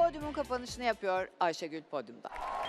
podyumun kapanışını yapıyor Ayşegül podyumda.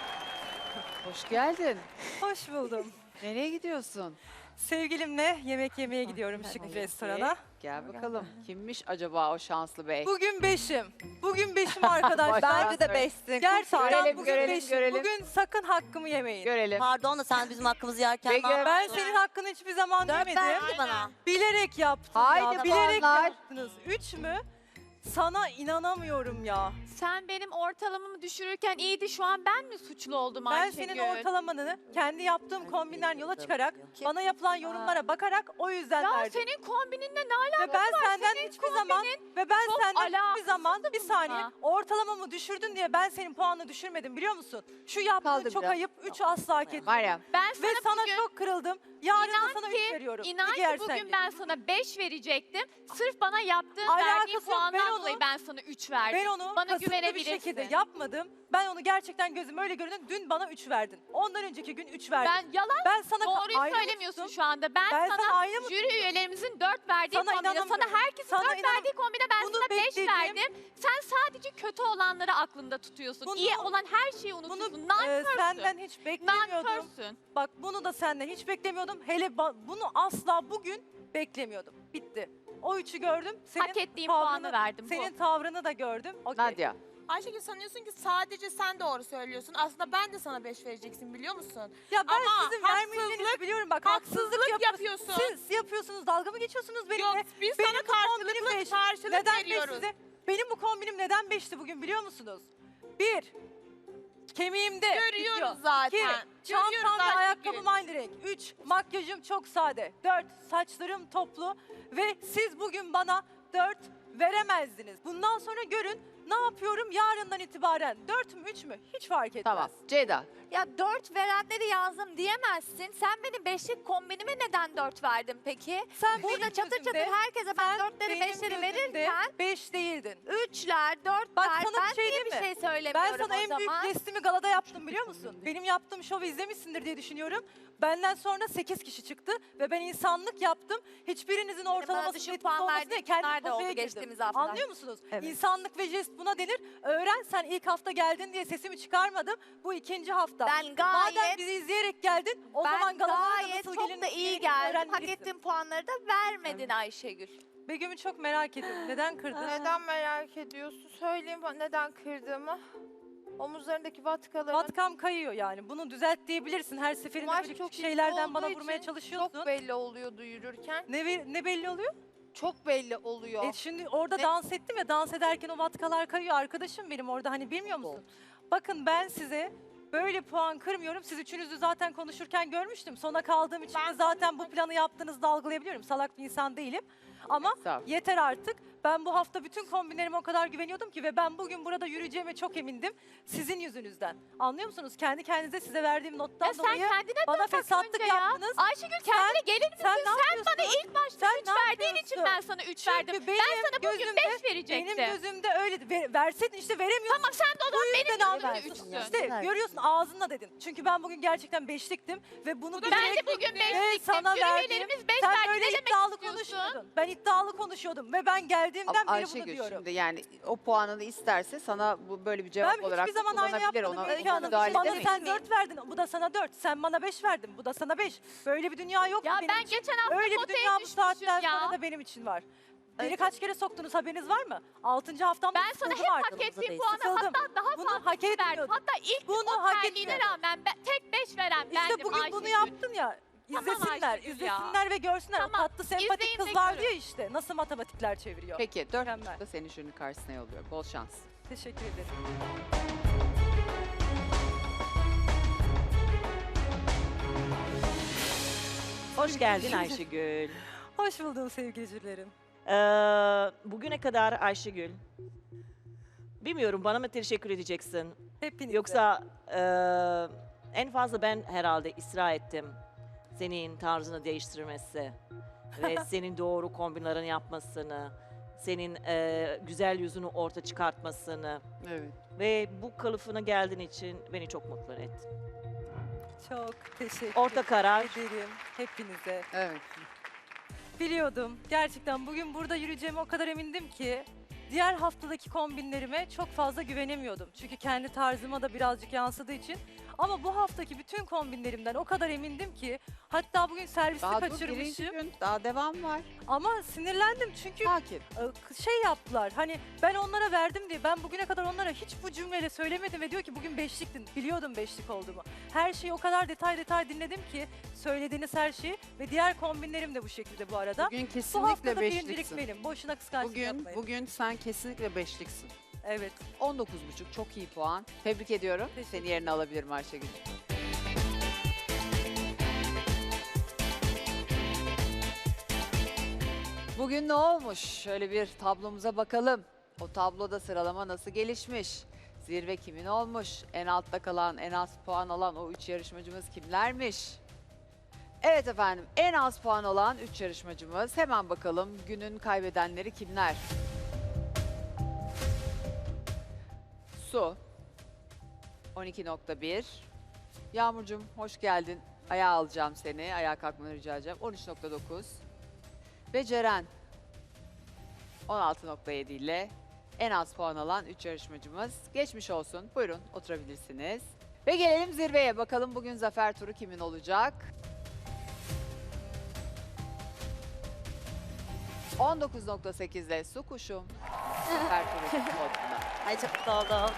Hoş geldin. Hoş buldum. Nereye gidiyorsun? Sevgilimle yemek yemeye gidiyorum şık bir restorana. Gel bakalım. Kimmiş acaba o şanslı bey? Bugün beşim. Bugün beşim arkadaşlar. Bence de beşsin. Gerçekten Görelim, bugün görelim, beşim. görelim. Bugün sakın hakkımı yemeyin. Görelim. Pardon da sen bizim hakkımızı yerken Peki. ne yaptın? Ben senin hakkını hiçbir zaman Dört yemedim. verdi bana. Bilerek yaptım Haydi ya. Bilerek puanlar. yaptınız. 3 mü? Sana inanamıyorum ya. Sen benim ortalamamı düşürürken iyiydi. Şu an ben mi suçlu oldum Ben Ayşegül? senin ortalamanı kendi yaptığım kombinden yola çıkarak, Kim? bana yapılan yorumlara bakarak o yüzden Ya verdim. senin kombininle ne alakası Ve ben var? senden Senin hiçbir zaman ve ben çok senden hiçbir alakasızdı zaman bir saniye bununla. ortalamamı düşürdün diye ben senin puanını düşürmedim biliyor musun? Şu yaptığın Kaldı çok biraz. ayıp. 3 asla hak etmiyor. Var ya. Ben Ve sana sana bugün, çok kırıldım. Yarın da inan sana ki, 3 veriyorum. inan Bir ki yersen bugün git. ben sana 5 verecektim. Sırf bana yaptığın Alakası verdiğin yok. puandan Ben onu- dolayı ben sana 3 verdim. Ben onu Bana kasıtlı bir güvenebilirsin. şekilde yapmadım. Ben onu gerçekten gözüm öyle göründü. Dün bana 3 verdin. Ondan önceki gün 3 verdin. Ben yalan Ben sana doğruyu aynı mı söylemiyorsun tuttum? şu anda. Ben, Ben sana sana aynı mı jüri üyelerimizin 4 verdiği Sana kombine, sana inanamıyorum. herkesin Sana 4 verdiği kombine ben Bunu sana 5 beklediğim- verdim. Sen sadece kötü olanları aklında tutuyorsun. Bunu- İyi olan her şeyi Bunu unutuyorsun. Nankörsün. senden hiç beklemiyordum. Nankörsün. Bak bunu da senden hiç beklemiyordum. Hele bunu asla bugün beklemiyordum. Bitti. O 3'ü gördüm. Senin Hak ettiğim tavrını- puanı verdim. Senin tavrını da gördüm. Okey. Nadia. Ayşegül sanıyorsun ki sadece sen doğru söylüyorsun. Aslında ben de sana 5 vereceksin biliyor musun? Ya ben Ama sizin vermeyeceğinizi biliyorum. Bak haksızlık yapıyorsun. Siz yapıyorsunuz. Dalga mı geçiyorsunuz benimle? Yok biz Benim sana bu kombinim karşılıklı beş. karşılık Neden beş veriyoruz. size? Benim bu kombinim neden 5'ti bugün biliyor musunuz? 1. Kemiğimde. Görüyoruz bitiyor. zaten. 2. Görüyoruz Çantam ve Ayşegül. ayakkabım aynı renk. 3. Makyajım çok sade. 4. Saçlarım toplu. Ve siz bugün bana 4 veremezdiniz. Bundan sonra görün ne yapıyorum yarından itibaren. 4 mü 3 mü hiç fark etmez. Tamam. Ceyda. Ya 4 verenleri yazdım diyemezsin. Sen benim 5'lik kombinime neden 4 verdin peki? Sen Burada benim çatır çatır gözümde- herkese ben sen 4'leri benim 5'leri gözümde verirken 5 değildin. 3'ler 4'ler Bak sana bir ben şey niye diyeyim bir mi? şey Ben söylemiyorum sana o en büyük zaman? testimi galada yaptım biliyor musun? Benim yaptığım şovu izlemişsindir diye düşünüyorum. Benden sonra 8 kişi çıktı ve ben insanlık yaptım. Hiçbirinizin ortalaması düşük etkisiz puan olmasın verdiğin diye kendim günler de oldu potaya girdim. geçtiğimiz hafta. Anlıyor musunuz? Evet. İnsanlık ve jest buna denir. Öğren sen ilk hafta geldin diye sesimi çıkarmadım. Bu ikinci hafta. Ben Madem gayet bizi izleyerek geldin o zaman ben galalara da gayet nasıl çok gelinir da iyi diye geldim. Hak öğrenmelisin. ettiğim puanları da vermedin Ayşegül. Begüm'ü çok merak ediyorum. Neden kırdın? Neden merak ediyorsun? Söyleyeyim neden kırdığımı. Omuzlarındaki vatkaların Vatkam kayıyor yani. Bunu düzelt diyebilirsin. Her seferinde kumaş böyle çok küçük şeylerden ince bana olduğu vurmaya için çalışıyorsun. çok belli oluyordu yürürken. Ne belli oluyor? Çok belli oluyor. Şimdi orada Ne? dans ettim ya dans ederken o vatkalar kayıyor arkadaşım benim orada hani bilmiyor musun? Bakın ben size böyle puan kırmıyorum. Siz üçünüzü zaten konuşurken görmüştüm. Sona kaldığım için de zaten bu planı yaptığınızda algılayabiliyorum. Salak bir insan değilim. Ama Estağfurullah. yeter artık. Ben bu hafta bütün kombinlerime o kadar güveniyordum ki ve ben bugün burada yürüyeceğime çok emindim. Sizin yüzünüzden. Anlıyor musunuz? Kendi kendinize size verdiğim nottan Ya sen dolayı kendine bana dön bak fesatlık önce ya. yaptınız. Ayşegül kendine gelir misin? sen ne Sen yapıyorsun? bana ilk başta Sen 3 ne verdiğin için yapıyorsun? ben sana 3 verdim. Çünkü Ben sana bugün gözümde- 5 verecektim. Benim gözümde öyle. Verseydin işte veremiyorsun. Tamam sen de o zaman benim yüzden gözümde alıyorsun. 3'sün. İşte görüyorsun ağzınla dedin. Çünkü ben bugün gerçekten beşliktim ve bunu Ben de bilerek bugün ve 5'liktim. sana Jüri verdim. üyelerimiz 5 Sen verdi. böyle Ne demek iddialı istiyorsun? konuşuyordun. Ben iddialı konuşuyordum ve ben geldiğimden Ama beri bunu Ayşegül diyorum. şimdi yani o puanını isterse sana bu böyle bir cevap Ben olarak hiçbir zaman aynı kullanabilir. yapmadım. Ona Öykü Hanım. müdahale Bana edemeyiz. sen 4 verdin, bu da sana 4. Sen bana 5 verdin, bu da sana 5. Böyle bir dünya yok Ya benim ben için. geçen hafta Öyle bir potaya dünya bu düşmüşüm saatten ya. sonra da benim için var. Beni kaç kere soktunuz haberiniz var mı? 6. haftamda Ben sana hep sıkıldım hak artık. ettiğim Sıkıldım. puanı hatta daha Bunu fazla hak verdim. etmiyordum. Hatta ilk Bunu o hak terliğine etmiyordum. rağmen tek 5 veren İşte bendim bugün Ayşegül. bunu yaptın ya. Tamam İzlesinler, Ayşegül ya. izlesinler ve görsünler. Tamam, O tatlı sempatik izleyin de kız var görün. diyor işte. Nasıl matematikler çeviriyor. Peki 4 Mükemmel. da seni jürinin karşısına yolluyor. Bol şans. Teşekkür ederim. Hoş geldin Ayşegül. Hoş buldum sevgili jürilerim. Bugüne kadar Ayşegül, bilmiyorum bana mı teşekkür edeceksin? Hepinize. Yoksa en fazla ben herhalde ısrar ettim senin tarzını değiştirmesi ve senin doğru kombinlerini yapmasını, senin güzel yüzünü orta çıkartmasını Evet. ve bu kılıfına geldiğin için beni çok mutlu etti. Çok teşekkür Orta karar. ederim hepinize. Evet. Biliyordum. Gerçekten bugün burada yürüyeceğime o kadar emindim ki. diğer haftadaki kombinlerime çok fazla güvenemiyordum. Çünkü kendi tarzıma da birazcık yansıdığı için. Ama bu haftaki bütün kombinlerimden o kadar emindim ki, hatta bugün servisi Daha dur, birinci kaçırmışım. gün daha devam var. Ama sinirlendim çünkü Sakin. şey yaptılar. Hani ben onlara verdim diye, ben bugüne kadar onlara hiç bu cümleyle söylemedim ve diyor ki bugün beşliktin. Biliyordum beşlik olduğumu. Her şeyi o kadar detay dinledim ki, söylediğiniz her şeyi, ve diğer kombinlerim de bu şekilde bu arada. Bugün Bu kesinlikle haftada birincilik beşliksin. benim. Boşuna kıskançlık yapmayın. Bugün sen kesinlikle beşliksin. Evet. 19,5 çok iyi puan. Tebrik ediyorum. Teşekkür Seni yerine alabilirim Ayşegül. Bugün ne olmuş? Şöyle bir tablomuza bakalım. O tabloda sıralama nasıl gelişmiş? Zirve kimin olmuş? En altta kalan, en az puan alan o 3 yarışmacımız kimlermiş? Evet efendim, en az puan alan 3 yarışmacımız. Hemen bakalım günün kaybedenleri kimler? Su 12,1. Yağmurcuğum hoş geldin. Ayağa alacağım seni. Ayağa kalkmanı rica edeceğim. 13,9. Ve Ceren 16,7 ile en az puan alan 3 yarışmacımız. Geçmiş olsun. Buyurun oturabilirsiniz. Ve gelelim zirveye. Bakalım bugün zafer turu kimin olacak? 19,8 ile Su Kuşum. Zafer turu podyumda. Ay çok mutlu oldum.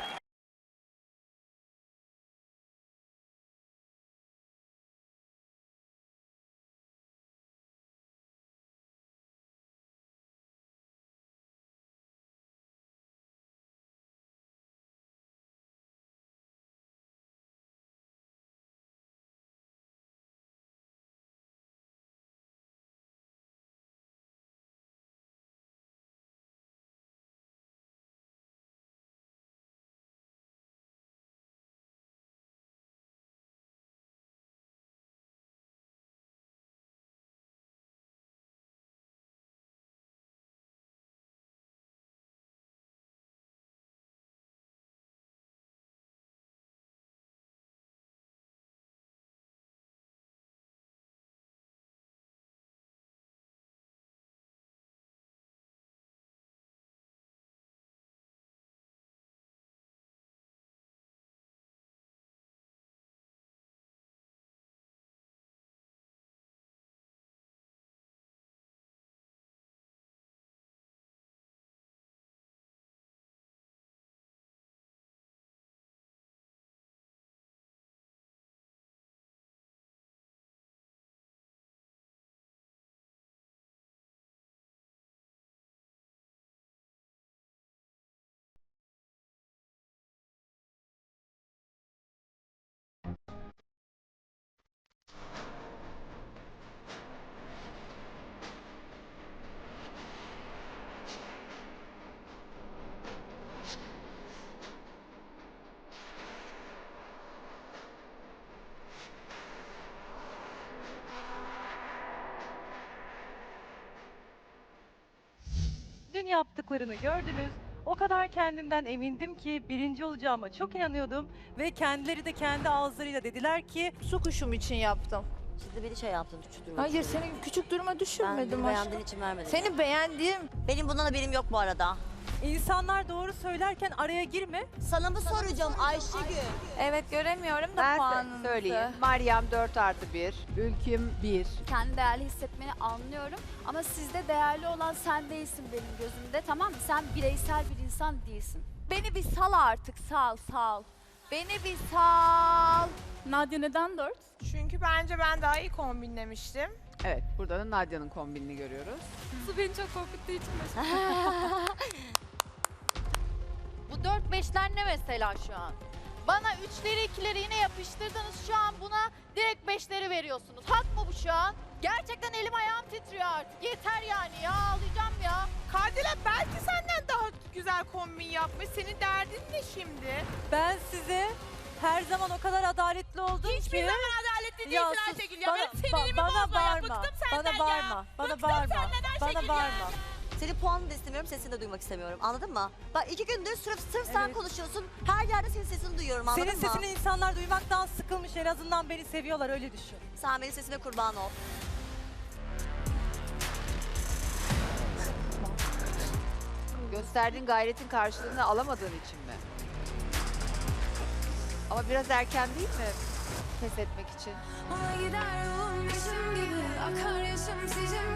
Dün yaptıklarını gördünüz. O kadar kendimden emindim ki birinci olacağıma çok inanıyordum. Ve kendileri de kendi ağızlarıyla dediler ki Su kuşum için yaptım. Şimdi beni şey yaptın, küçük duruma Hayır düşürdün. seni küçük duruma Ben düşürmedim beni aşkım. beğendiğin için vermedim. Seni beğendiğim Benim bundan haberim yok bu arada. insanlar doğru söylerken araya girme. Sana mı soracağım Ayşegül? Evet göremiyorum da Ben puanınızı. söyleyeyim. Meryem 4+1. Ülküm 1. Kendi değerli hissetmeni anlıyorum ama sizde değerli olan sen değilsin benim gözümde, tamam mı? Sen bireysel bir insan değilsin. Beni bir sal artık, sal. Beni bir sal. Nadia neden 4? çünkü bence ben daha iyi kombinlemiştim. Evet, burada da Nadia'nın kombinini görüyoruz. Su beni çok korkuttuğu için Bu 4-5'ler ne mesela şu an? Bana 3'leri 2'leri yine yapıştırdınız. Şu an buna direkt 5'leri veriyorsunuz. Hak mı bu şu an? Gerçekten elim ayağım titriyor artık. Yeter yani ya, ağlayacağım ya. Kardelen belki senden daha güzel kombin yapmış. Senin derdin ne şimdi? Ben size her zaman o kadar adaletli oldum Hiçbir ki. zaman adaletli değilsin Ya sus, Ayşegül ya. bana- Benim sinirimi bana bozma ya. bağırma, Bıktım senden bana bağırma, ya. bana Bıktım bağırma, senden bana Ayşegül bağırma. ya. Senin puanını da istemiyorum, sesini de duymak istemiyorum. Anladın mı? Bak 2 gündür sırf sen Evet. konuşuyorsun. Her yerde senin sesini duyuyorum, anladın Senin mı? sesini insanlar duymaktan sıkılmış, en azından beni seviyorlar, öyle düşün. Sen benim sesime kurban ol. Gösterdiğin gayretin karşılığını alamadığın için mi? Ama biraz erken değil mi pes etmek için? Ona gider yolum yaşım gibi akar yaşım sizin